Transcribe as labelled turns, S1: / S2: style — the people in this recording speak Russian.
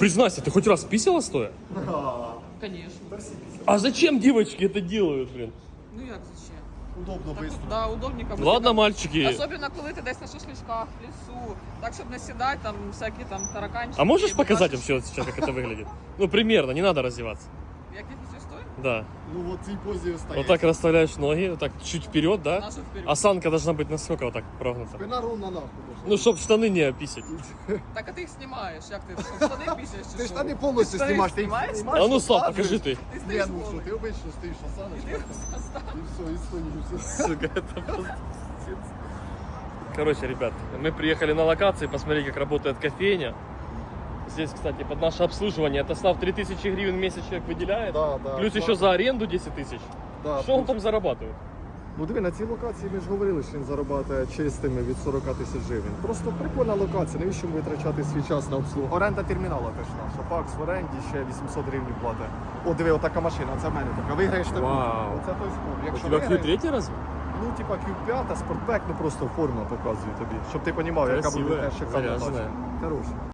S1: Признайся, ты хоть раз писала стоя?
S2: Конечно.
S1: А зачем девочки это делают, блин?
S2: Ну як зачем?
S3: Удобно,
S2: Так,
S3: быстро.
S2: да, удобненько.
S1: Ладно,
S2: быстренько.
S1: мальчики.
S2: Особенно коли ти десь на шашличках, в лісу. Так, щоб не сідати, там всякі там тараканчики.
S1: А можешь
S2: і
S1: показать
S2: бачиш,
S1: вообще вот сейчас, как это выглядит? Ну, примерно, не надо раздеваться.
S2: Як я після стою?
S1: Да.
S3: Ну вот в цій позі стоїть.
S1: Вот так расставляешь ноги, вот так чуть вперед, да?
S2: Нашу вперед.
S1: Осанка должна быть насколько вот так прогнута?
S3: Спина ровно нахуй.
S1: Ну, чтоб штаны не описать.
S2: Так, а ти їх знімаєш. Як ти? Штани пісяєш чи
S3: Ти
S2: що?
S3: штани повністю
S2: Штани
S3: знімаєш. Ти їх
S2: знімаєш?
S3: знімаєш,
S1: А ну, Слав,
S3: показуєш.
S1: покажи ты.
S2: Ти
S3: Ні,
S2: стоїш
S3: ну що,
S2: голий.
S3: ти обично стоїш осаночка. І все, і стоїш.
S1: Сука, это просто пиздец. Короче, ребят, мы приехали на локации посмотреть, как работает кофейня. Здесь, кстати, под наше обслуживание это Слав 3000 гривен в месяц человек выделяет.
S3: Да, да.
S1: Плюс еще за аренду 10 тысяч.
S3: Да,
S1: Что он там зарабатывает?
S3: Ну диви, на цій локації ми ж говорили, що він заробляє чистими від 40 тисяч гривень. Просто прикольна локація, навіщо витрачати свій час на обслугу? Оренда термінала теж наша. Пакс в оренді ще 800 гривень платить. О, диви, отака машина, це в мене така. Виграєш таку.
S1: Вау.
S3: Оце той спорт.
S1: У
S3: Якщо
S1: тебя
S3: виграєш,
S1: Q3 разве?
S3: ну типа Q5, спортбек, ну просто форма показує тобі. Щоб ти розумів, яка буде
S1: Красивая,
S3: теж шикарна
S1: заряженная.
S3: тачка. Хороша.